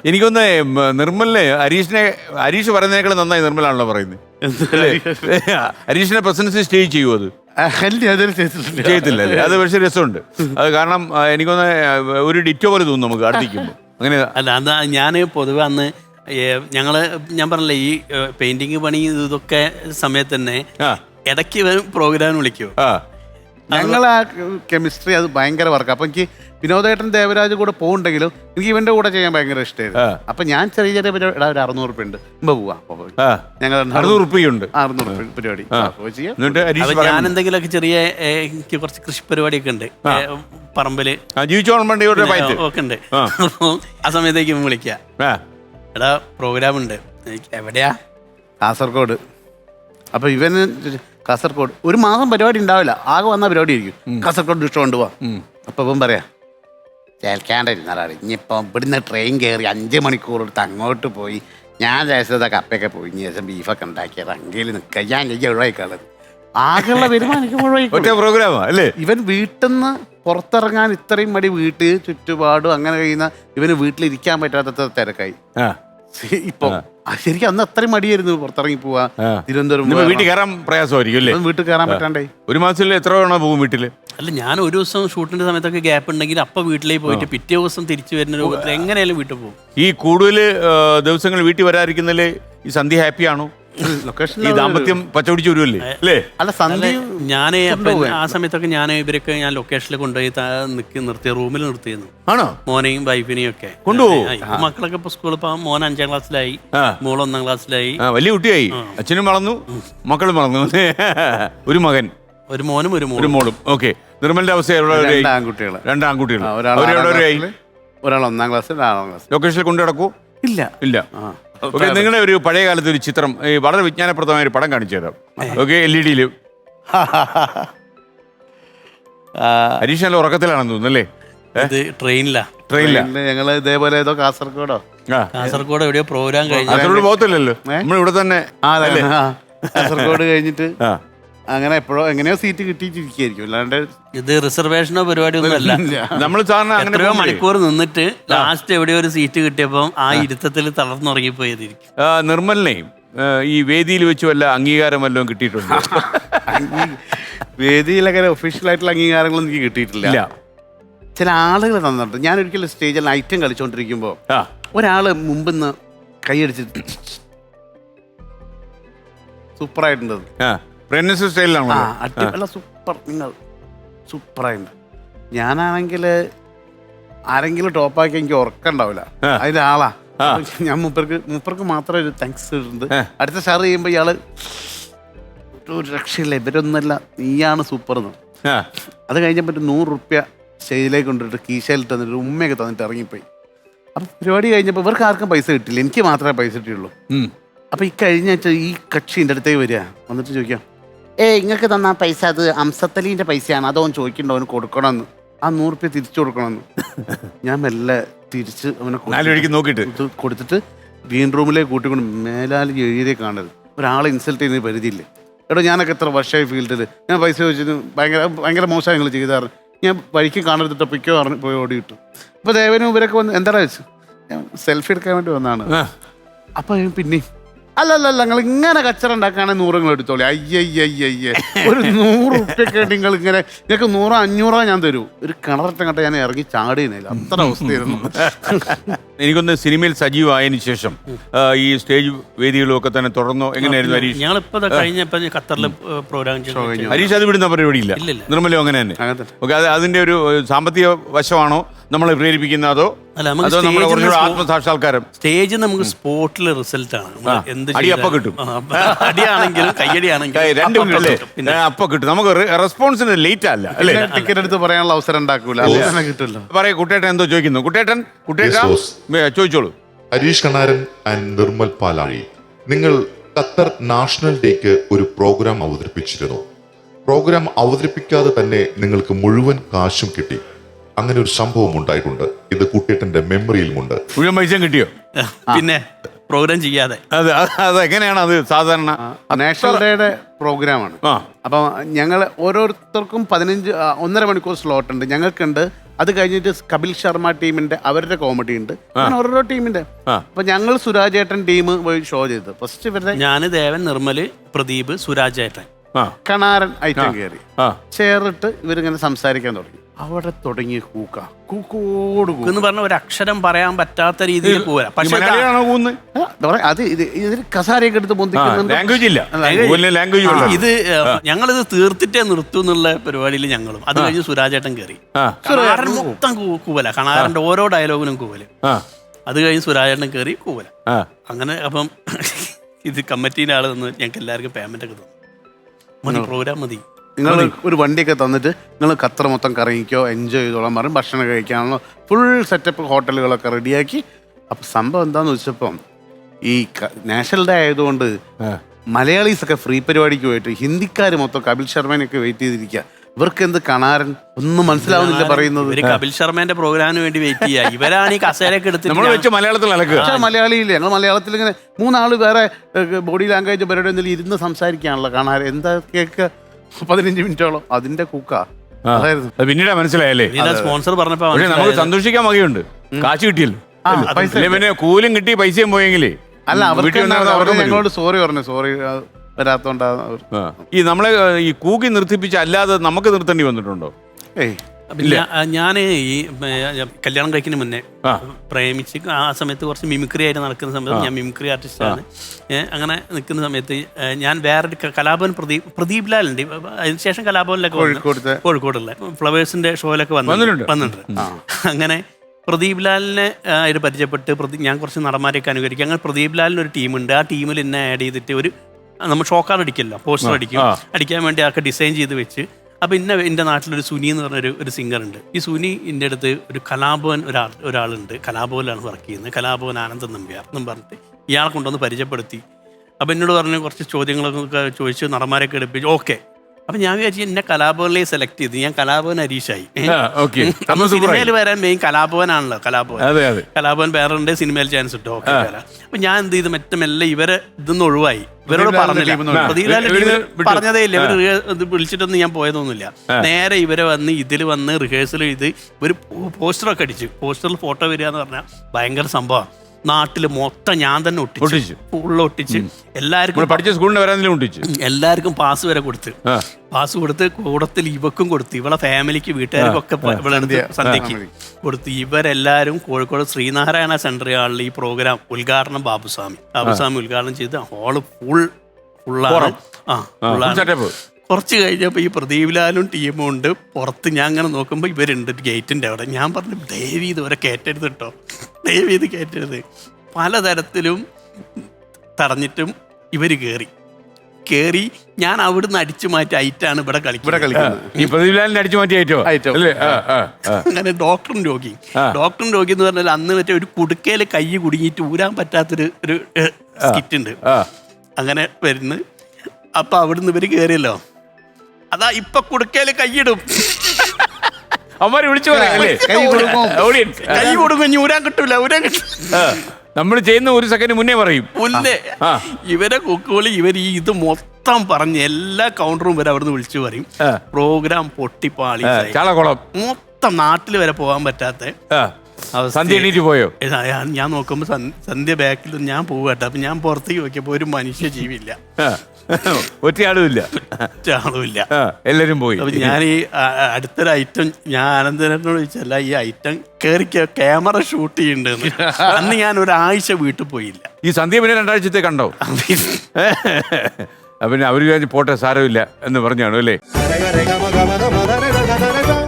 എനിക്കൊന്ന് നിർമ്മലിനെ ഹരീഷ് പറയുന്നതിനേക്കാൾ നന്നായി നിർമ്മലാണല്ലോ പറയുന്നത്. ഹരീഷിനെ പ്രസൻസ് സ്റ്റേജ് ചെയ്യുമോ? അത് ചെയ്യത്തില്ല അല്ലേ? അത് പക്ഷേ രസമുണ്ട്. അത് കാരണം എനിക്കൊന്ന് ഒരു ഡിറ്റോ പോലെ തോന്നും നമുക്ക് അടുത്തിരിക്കുമ്പോൾ. അങ്ങനെ അല്ല, അതാ ഞാൻ പൊതുവെ അന്ന് ഞാൻ പറഞ്ഞില്ലേ ഈ പെയിന്റിങ് പണി ഇതൊക്കെ സമയത്ത് തന്നെ ഇടയ്ക്ക് പ്രോഗ്രാം വിളിക്കുമോ? ഞങ്ങൾ ആ കെമിസ്ട്രി അത് ഭയങ്കര വർക്ക്. അപ്പൊ എനിക്ക് വിനോദേട്ടൻ ദേവരാജ് കൂടെ പോകുന്നുണ്ടെങ്കിലും എനിക്ക് ഇവന്റെ കൂടെ ചെയ്യാൻ ഭയങ്കര ഇഷ്ടമായിരുന്നു. അപ്പൊ ഞാൻ ചെറിയ ചെറിയ പരിപാടി, ഒരു 600 രൂപ ഉണ്ട്, പോവാ ഞങ്ങൾ 600 രൂപയുണ്ട് 600 പരിപാടി. ഞാൻ എന്തെങ്കിലുമൊക്കെ ചെറിയ എനിക്ക് കുറച്ച് കൃഷി പരിപാടിയൊക്കെ ഉണ്ട് പറമ്പില്, ഒക്കെ ഉണ്ട്. ആ സമയത്തേക്ക് വിളിക്കാം, എടാ പ്രോഗ്രാം ഉണ്ട്. എവിടെയാ? കാസർഗോഡ്. അപ്പൊ ഇവന് കാസർഗോഡ് ഒരു മാസം പരിപാടി ഉണ്ടാവില്ല, ആകെ വന്ന പരിപാടി ആയിരിക്കും. കാസർഗോഡ് ഇഷ്ടം കൊണ്ടുപോവാ. അപ്പൊ ഇവൻ പറയാ ചേൽക്കാണ്ടിരുന്നാലാണ് ഇനിയിപ്പം ഇവിടുന്ന് ട്രെയിൻ കയറി 5 മണിക്കൂർ എടുത്ത് അങ്ങോട്ട് പോയി ഞാൻ ദേശത്തെ കപ്പയൊക്കെ പോയി ശേഷം ബീഫൊക്കെ ഉണ്ടാക്കിയത് അങ്ങയിൽ നിൽക്കാൻ ഞാൻ ഒഴിവായിക്കാളത് ആകെയുള്ള വരുമാനം ഒഴിവായി. ഇവൻ വീട്ടിൽ നിന്ന് പുറത്തിറങ്ങാൻ ഇത്രയും മടി, വീട്ടിൽ ചുറ്റുപാടും അങ്ങനെ കഴിയുന്ന ഇവന് വീട്ടിലിരിക്കാൻ പറ്റാത്ത തിരക്കായി. ഇപ്പൊ ശരിക്കും അന്ന് അത്രയും മടിയായിരുന്നു പുറത്തിറങ്ങി പോവാ. തിരുവനന്തപുരം വീട്ടിൽ കയറാൻ പ്രയാസമായിരിക്കും അല്ലേ? വീട്ടിൽ കയറാൻ പറ്റാണ്ടേ. ഒരു മാസത്തിൽ എത്ര തവണ പോകും വീട്ടില്? അല്ല, ഞാൻ ഒരു ദിവസം ഷൂട്ടിന്റെ സമയത്തൊക്കെ ഗ്യാപ്പ് ഉണ്ടെങ്കിൽ അപ്പൊ വീട്ടിലേക്ക് പോയിട്ട് പിറ്റേ ദിവസം തിരിച്ചു വരുന്ന രൂപത്തിൽ എങ്ങനെയാലും വീട്ടിൽ പോകും. ഈ കൂടുതൽ ദിവസങ്ങൾ വീട്ടിൽ വരാതിരിക്കുന്നതില് ഈ സന്ധ്യ ഹാപ്പിയാണോ? ഈ ദാമ്പത്യം പച്ചപിടിച്ച് വരുമല്ലേ അല്ലേ? അല്ല സന്ധ്യ ഞാൻ ആ സമയത്തൊക്കെ ഞാൻ ലൊക്കേഷനിൽ കൊണ്ടുപോയി നിർത്തിയ റൂമിൽ നിർത്തിയിരുന്നു. ആണോ? മോനെയും വൈഫിനെയും ഒക്കെ കൊണ്ടുപോകും. മക്കളൊക്കെ ഇപ്പൊ സ്കൂളിൽ പോകാൻ മോൻ 5ാം ക്ലാസ്സിലായി, മോൾ 1ാം ക്ലാസ്സിലായി. വലിയ കുട്ടിയായി, അച്ഛനും വളർന്നു മക്കളും വളർന്നു. ഒരു മകൻ, ഒരു മോനും ഒരു മോളും. ഓക്കെ. നിർമ്മലിന്റെ അവസ്ഥ? 2 ആൺകുട്ടികൾ. ഒരാൾ 1ാം ക്ലാസ്, 4ാം ക്ലാസ്. ലൊക്കേഷനിൽ കൊണ്ടു നടക്കൂ? ഇല്ല. ഓക്കെ, നിങ്ങളുടെ ഒരു പഴയ കാലത്ത് ഒരു ചിത്രം വളരെ വിജ്ഞാനപ്രദമായ ഒരു പടം കാണിച്ചു തരാം. ഓക്കെ, LED ഹരീഷ് നല്ല ഉറക്കത്തിലാണെന്ന് തോന്നുന്നല്ലേ? ട്രെയിനിലാ ഞങ്ങള് ഇതേപോലെ ഏതോ കാസർഗോഡ് എവിടെയോ പ്രോഗ്രാം കഴിഞ്ഞു. കാസർഗോഡ് പോകത്തില്ലല്ലോ, നമ്മളിവിടെ തന്നെ. കാസർഗോഡ് കഴിഞ്ഞിട്ട് അങ്ങനെ എപ്പോഴോ എങ്ങനെയോ സീറ്റ് കിട്ടിയിട്ടിരിക്കും. അല്ലാണ്ട് ഇത് റിസർവേഷനോ പരിപാടി ഒന്നും അല്ല. നമ്മൾ എത്രയോ മണിക്കൂർ നിന്നിട്ട് ലാസ്റ്റ് എവിടെയോ ഒരു സീറ്റ് കിട്ടിയപ്പോൾ ആ ഇരുത്തത്തിൽ തളർന്നുറങ്ങിപ്പോയതിരിക്കും. നിർമ്മലിനെയും ഈ വേദിയിൽ വെച്ച് വല്ല അംഗീകാരം വല്ലതും കിട്ടിയിട്ടുണ്ട്? വേദിയിലൊക്കെ ഒഫീഷ്യൽ ആയിട്ടുള്ള അംഗീകാരങ്ങളൊന്നും എനിക്ക് കിട്ടിയിട്ടില്ല. ചില ആളുകൾ തന്നിട്ടുണ്ട്. ഞാൻ ഒരിക്കലും സ്റ്റേജിൽ ഐറ്റം കളിച്ചോണ്ടിരിക്കുമ്പോ ഒരാള് മുമ്പിന്ന് കൈയടിച്ചിട്ട് സൂപ്പറായിട്ടുണ്ട്. അല്ല സൂപ്പർ, നിങ്ങൾ സൂപ്പറായിട്ടുണ്ട്. ഞാനാണെങ്കിൽ ആരെങ്കിലും ടോപ്പാക്കി എനിക്ക് ഉറക്കണ്ടാവില്ല, അതിന്റെ ആളാ. ഞാൻ മൂപ്പർക്ക് മാത്രമേ ഒരു താങ്ക്സ് ഇട്ടുണ്ട്. അടുത്ത ഷെയർ ചെയ്യുമ്പോ ഇയാള് ഒരു രക്ഷയില്ല, ഇവരൊന്നല്ല നീയാണ് സൂപ്പർ എന്ന്. അത് കഴിഞ്ഞപ്പോ 100 രൂപ സ്റ്റേജിലേക്ക് കൊണ്ടിട്ട് കീശയിലിട്ട് തന്നിട്ട് ഉമ്മയൊക്കെ തന്നിട്ട് ഇറങ്ങിപ്പോയി. അപ്പൊ പരിപാടി കഴിഞ്ഞപ്പോ ഇവർക്ക് ആർക്കും പൈസ കിട്ടില്ല, എനിക്ക് മാത്രമേ പൈസ കിട്ടിയുള്ളൂ. അപ്പൊ ഈ കഴിഞ്ഞ ഈ കക്ഷിൻ്റെ അടുത്തേക്ക് വരിക, വന്നിട്ട് ചോദിക്കാം, ഇങ്ങൾക്ക് തന്ന പൈസ അത് അംസത്തലീൻ്റെ പൈസയാണ്, അതോ ചോദിക്കണ്ടോ അവന് കൊടുക്കണമെന്ന്, ആ 100 രൂപ തിരിച്ചു കൊടുക്കണമെന്ന്. ഞാൻ മെല്ലെ തിരിച്ച് അവനെ നോക്കിയിട്ട് കൊടുത്തിട്ട് ഗ്രീൻ റൂമിലേക്ക് കൂട്ടിക്കൊണ്ട് മേലാൽ എഴുതിയേ കാണരുത്, ഒരാളെ ഇൻസൾട്ട് ചെയ്യുന്ന പരിധിയില്ലേ. എടോ ഞാനൊക്കെ എത്ര വർഷമായി ഫീൽഡിൽ, ഞാൻ പൈസ ചോദിച്ചിട്ട് ഭയങ്കര മോശമായി നിങ്ങൾ ചെയ്താറ്, ഞാൻ വഴിക്ക് കാണരുതിട്ട് പിക്കോ പറഞ്ഞ് പോയി ഓടി കിട്ടും. അപ്പോൾ ദേവനും ഇവരൊക്കെ വന്ന് എന്താ വെച്ച് ഞാൻ സെൽഫി എടുക്കാൻ വേണ്ടി വന്നതാണ്. അപ്പോൾ പിന്നെയും അല്ലല്ല നിങ്ങൾ ഇങ്ങനെ കച്ചറ ഉണ്ടാക്കുകയാണെങ്കിൽ 100 നിങ്ങൾ എടുത്തോളി. അയ്യയ്യയ്യേ, ഒരു 100 രൂപയൊക്കെ നിങ്ങൾ ഇങ്ങനെ, നിങ്ങൾക്ക് 100 500 ഞാൻ തരൂ. ഒരു കിണററ്റം കണ്ട ഞാൻ ഇറങ്ങി ചാടിയില്ല, അത്ര അവസ്ഥയായിരുന്നു. എനിക്കൊന്ന് സിനിമയിൽ സജീവമായതിനു ശേഷം ഈ സ്റ്റേജ് വേദികളും ഒക്കെ തന്നെ തുടർന്നോ? എങ്ങനെയായിരുന്നു ഹരീഷ്? ഞങ്ങളിപ്പോ കഴിഞ്ഞപ്പോ ഖത്തറിൽ പ്രോഗ്രാം ചെയ്തു. ഹരീഷ് അത് വിടുന്ന പരിപാടിയില്ല? നിർമ്മലോ അങ്ങനെ തന്നെ? ഓക്കെ, അതിന്റെ ഒരു സാമ്പത്തിക വശമാണോ നമ്മളെ പ്രേരിപ്പിക്കുന്ന, അതോ ആത്മസാക്ഷാത്കാരം? സ്റ്റേജ് നമുക്ക് സ്പോട്ടിൽ റിസൾട്ട് ആണ്. അപ്പൊ കിട്ടും, അടിയാണെങ്കിലും കയ്യടിയാണെങ്കിലും അപ്പൊ കിട്ടും. നമുക്ക് റെസ്പോൺസിന് ലേറ്റ് അല്ല അല്ലേ? ടിക്കറ്റ് എടുത്ത് പറയാനുള്ള അവസരം ഉണ്ടാക്കൂല, കിട്ടില്ല. പറയൂ, കുട്ടേട്ടൻ എന്തോ ചോദിക്കുന്നു. കുട്ടേട്ടൻ ചോദിച്ചോളൂ. ഹരീഷ് കണാരൻ ആൻഡ് നിർമ്മൽ പാലാഴി, നിങ്ങൾ ഖത്തർ നാഷണൽ ഡേക്ക് ഒരു പ്രോഗ്രാം അവതരിപ്പിച്ചിരുന്നു. പ്രോഗ്രാം അവതരിപ്പിക്കാതെ തന്നെ നിങ്ങൾക്ക് മുഴുവൻ കാശും കിട്ടി. അങ്ങനെ ഒരു സംഭവം ഉണ്ടായിട്ടുണ്ട്. ഇത് കുട്ടേട്ടന്റെ മെമ്മറിയിലുമുണ്ട്. മുഴുവൻ പൈസ കിട്ടിയോ? പിന്നെ പ്രോഗ്രാം ചെയ്യാതെ. അതെങ്ങനെയാണ് അത് സാധാരണ? നാഷണൽ ഡേയുടെ പ്രോഗ്രാമാണ്. ആ. അപ്പം ഞങ്ങൾ ഓരോരുത്തർക്കും 1.5 മണിക്കൂർ സ്ലോട്ട് ഉണ്ട്. ഞങ്ങൾക്കുണ്ട്. അത് കഴിഞ്ഞിട്ട് കപിൽ ശർമ്മ ടീമിന്റെ അവരുടെ കോമഡി ഉണ്ട്. അങ്ങനെ ഓരോ ടീമിന്റെ. അപ്പൊ ഞങ്ങൾ സുരാജേട്ടൻ ടീം പോയി ഷോ ചെയ്തു. ഫസ്റ്റ് ഇവരുടെ ഞാന്, ദേവൻ, നിർമ്മല്, പ്രദീപ്, സുരാജേട്ടൻ, കണാരൻ ഐറ്റം കയറി ചേർന്നിട്ട് ഇവരിങ്ങനെ സംസാരിക്കാൻ തുടങ്ങി. അവിടെ തുടങ്ങിയ കൂക്കോട് എന്ന് പറഞ്ഞ ഒരു അക്ഷരം പറയാൻ പറ്റാത്ത രീതിയിൽ പോരാ. പക്ഷെ അത് ഇതിൽ കസാരയൊക്കെ എടുത്ത് പൊന്തിക്കുന്നുണ്ട്. ലാംഗ്വേജ് ഇല്ല, ഇത് ഞങ്ങളിത് തീർത്തിട്ടേ നിർത്തൂ എന്നുള്ള പരിപാടിയിൽ ഞങ്ങളും. അത് കഴിഞ്ഞ് സുരാജേട്ടൻ കയറി. കണാരൻ മൊത്തം കൂവല, കണാരന്റെ ഓരോ ഡയലോഗിനും കൂവല്. അത് കഴിഞ്ഞ് സുരാജേട്ടൻ കയറി കൂവല. അങ്ങനെ അപ്പം ഇത് കമ്മിറ്റീൻ്റെ ആള് തന്നു ഞങ്ങൾക്ക് എല്ലാവർക്കും പേയ്മെന്റ് ഒക്കെ തന്നു. മതി, പ്രോഗ്രാം മതി. നിങ്ങൾ ഒരു വണ്ടിയൊക്കെ തന്നിട്ട് നിങ്ങൾ ഖത്തർ മൊത്തം കറങ്ങിക്കോ, എൻജോയ് ചെയ്തോളാൻ പറയും. ഭക്ഷണം കഴിക്കാനുള്ള ഫുൾ സെറ്റപ്പ് ഹോട്ടലുകളൊക്കെ റെഡിയാക്കി. അപ്പം സംഭവം എന്താന്ന് വെച്ചപ്പം ഈ നാഷണൽ ഡേ ആയതുകൊണ്ട് മലയാളീസൊക്കെ ഫ്രീ പരിപാടിക്ക് പോയിട്ട് ഹിന്ദിക്കാർ മൊത്തം കപിൽ ശർമ്മേനൊക്കെ വെയിറ്റ് ചെയ്തിരിക്കുക. ഇവർക്ക് എന്ത് കണാരൻ ഒന്നും മനസ്സിലാവുന്നില്ല പറയുന്നത്. കപിൽ ശർമ്മേന്റെ പ്രോഗ്രാമിന് വേണ്ടി വെയിറ്റ് ചെയ്യാ. ഇവരാണ് ഈ കസേരയൊക്കെ എടുത്തിട്ട് മലയാളിയില്ല. ഞങ്ങൾ മലയാളത്തിൽ ഇങ്ങനെ 3 ആള് വേറെ ബോഡി ലാംഗ്വേജ് പരിപാടി എന്തെങ്കിലും ഇരുന്ന് സംസാരിക്കാനുള്ള കണാരൻ എന്താ കേക്ക് 15 മിനിറ്റോളം അതിന്റെ കുക്ക. പിന്നീട് മനസ്സിലായല്ലേ സ്പോൺസർ പറഞ്ഞപ്പോ നമുക്ക് സന്തോഷിക്കാൻ വകയുണ്ട്. കാശ് കിട്ടിയല്ലോ, പിന്നെ കൂലും കിട്ടി, പൈസയും പോയെങ്കിലേ. അല്ല, അവർക്ക് ഞങ്ങളോട് സോറി പറഞ്ഞു. സോറി വരാത്തോണ്ടാ. ഈ നമ്മളെ ഈ കൂക്കി നിർത്തിപ്പിച്ച് അല്ലാതെ നമുക്ക് നിർത്തേണ്ടി വന്നിട്ടുണ്ടോ? ഞാൻ ഈ കല്യാണം കഴിക്കുന്ന മുന്നേ പ്രേമിച്ച് ആ സമയത്ത് കുറച്ച് മിമിക്രി ആയിട്ട് നടക്കുന്ന സമയത്ത്, ഞാൻ മിമിക്രി ആർട്ടിസ്റ്റാണ്. അങ്ങനെ നിൽക്കുന്ന സമയത്ത് ഞാൻ വേറൊരു കലാഭവൻ പ്രദീപ് ലാലുണ്ട്. അതിനുശേഷം കലാഭവനിലൊക്കെ കോഴിക്കോടുള്ള ഫ്ലവേഴ്സിന്റെ ഷോയിലൊക്കെ വന്നിട്ടുണ്ട്. അങ്ങനെ പ്രദീപ് ലാലിനെ അതിൽ പരിചയപ്പെട്ട് ഞാൻ കുറച്ച് നടന്മാരെയൊക്കെ അനുകരിക്കും. അങ്ങനെ പ്രദീപ് ലാലിന് ഒരു ടീമുണ്ട്. ആ ടീമിൽ എന്നെ ആഡ് ചെയ്തിട്ട് നമ്മൾ ഷോക്കാർഡ് അടിക്കല്ലോ, പോസ്റ്റർ അടിക്കാൻ വേണ്ടി അതൊക്കെ ഡിസൈൻ ചെയ്ത് വെച്ച്. അപ്പോൾ എൻ്റെ നാട്ടിലൊരു സുനി എന്ന് പറഞ്ഞൊരു സിംഗറുണ്ട്. ഈ സുനി എൻ്റെ അടുത്ത് ഒരു കലാഭവൻ ഒരാളുണ്ട്, കലാഭവനിലാണ് വർക്ക് ചെയ്യുന്നത്, കലാഭവൻ ആനന്ദൻ നമ്പ്യാർ എന്നും പറഞ്ഞിട്ട് ഇയാളെ കൊണ്ടുവന്ന് പരിചയപ്പെടുത്തി. അപ്പോൾ എന്നോട് പറഞ്ഞ് കുറച്ച് ചോദ്യങ്ങളൊക്കെ ചോദിച്ച് നടന്മാരെയൊക്കെ എടുപ്പിച്ചു. ഓക്കെ. അപ്പം ഞാൻ വിചാരിച്ചു എന്നെ കലാഭവനിലേക്ക് സെലക്ട് ചെയ്ത് ഞാൻ കലാഭവൻ ഹരീഷായി. സിനിമയിൽ വരാൻ മെയിൻ കലാഭവനാണല്ലോ. കലാഭവൻ വേറെ സിനിമയിൽ ചാൻസ് കിട്ടും. ഓക്കെ. അപ്പം ഞാൻ എന്ത് ചെയ്ത് മെല്ലെ ഇവരെ ഇതൊന്നും ഒഴിവായി. ഇവരോട് പറഞ്ഞില്ല, പറഞ്ഞതേ ഇല്ല. ഇവർ വിളിച്ചിട്ടൊന്നും ഞാൻ പോയതൊന്നുമില്ല. നേരെ ഇവരെ ഇതിൽ വന്ന് റിഹേഴ്സൽ ചെയ്ത് ഒരു പോസ്റ്ററൊക്കെ അടിച്ചു. പോസ്റ്ററിൽ ഫോട്ടോ വരിക എന്ന് പറഞ്ഞാൽ ഭയങ്കര സംഭവമാണ്. നാട്ടില് മൊത്തം ഞാൻ തന്നെ ഒട്ടിച്ചു, ഫുള്ള് ഒട്ടിച്ച് എല്ലാവർക്കും പഠിച്ച സ്കൂളിൽ വരാൻ ഒട്ടിച്ചു. എല്ലാവർക്കും പാസ് വരെ കൊടുത്ത്, പാസ് കൊടുത്ത് കൂടത്തിൽ ഇവക്കും കൊടുത്ത്, ഇവളെ ഫാമിലിക്ക് വീട്ടുകാർക്കൊക്കെ ഇവളെടുത്ത് സന്ധ്യക്ക് കൊടുത്ത്. ഇവരെല്ലാവരും കോഴിക്കോട് ശ്രീനാരായണ സെൻട്രൽ ഹാളിൽ ഈ പ്രോഗ്രാം ഉദ്ഘാടനം ബാബുസ്വാമി ഉദ്ഘാടനം ചെയ്ത് ഹോള് ഫുള്ളാണ്. കുറച്ച് കഴിഞ്ഞപ്പോൾ ഈ പ്രദീപ് ലാലും ടീമും ഉണ്ട് പുറത്ത്. ഞാൻ അങ്ങനെ നോക്കുമ്പോൾ ഇവരുണ്ട് ഗേറ്റിൻ്റെ അവിടെ. ഞാൻ പറഞ്ഞു ദയവ് ഇതുവരെ കയറ്റരുത് കേട്ടോ, ദയവ് ഇത് കയറ്റരുത്. പലതരത്തിലും തടഞ്ഞിട്ടും ഇവർ കയറി ഞാൻ അവിടുന്ന് അടിച്ചു മാറ്റി ഐറ്റാണ് ഇവിടെ കളിക്കുന്നത്. അങ്ങനെ ഡോക്ടറും രോഗി എന്ന് പറഞ്ഞാൽ അന്ന് മറ്റേ ഒരു കുടുക്കയിൽ കൈ കുടുങ്ങിയിട്ട് ഊരാൻ പറ്റാത്തൊരു സ്കിറ്റ് ഉണ്ട്. അങ്ങനെ വരുന്നു. അപ്പൊ അവിടുന്ന് ഇവര് കയറിയല്ലോ, അതാ ഇപ്പൊ കുടുക്കയില് കൈയിടും. അവന്മാര് വിളിച്ചു കൈ കൊടുക്കും, ഊരാൻ കിട്ടൂല. നമ്മൾ ചെയ്യുന്ന ഒരു സെക്കൻഡ് മുന്നേ പറയും. ഇവരെ കുക്കുകളി ഇത് മൊത്തം പറഞ്ഞ് എല്ലാ കൗണ്ടറും വരെ അവിടുന്ന് വിളിച്ചു പറയും. പ്രോഗ്രാം പൊട്ടിപ്പാളി, മൊത്തം നാട്ടിൽ വരെ പോകാൻ പറ്റാത്ത സന്ധ്യ എണീറ്റ് പോയോ? ഞാൻ നോക്കുമ്പോ സന്ധ്യ ബാക്കിൽ ഞാൻ പോകട്ടെ. അപ്പൊ ഞാൻ പുറത്തേക്ക് നോക്കിയപ്പോ ഒരു മനുഷ്യ ജീവില്ല, ഒറ്റയാളുമില്ല, എല്ലാരും പോയി. അപ്പൊ ഞാൻ ഈ അടുത്തൊരു ഐറ്റം ഞാൻ ആനന്ദനോട് ചോദിച്ചല്ല, ഈ ഐറ്റം കയറി ക്യാമറ ഷൂട്ട് ചെയ്യുന്നുണ്ടെന്ന്. അന്ന് ഞാൻ ഒരാഴ്ച വീട്ടിൽ പോയില്ല. ഈ സന്ധ്യ പിന്നെ 2 ആഴ്ചത്തെ കണ്ടോ? പിന്നെ അവര് പോട്ടെ സാരമില്ല എന്ന് പറഞ്ഞാണോ അല്ലേ?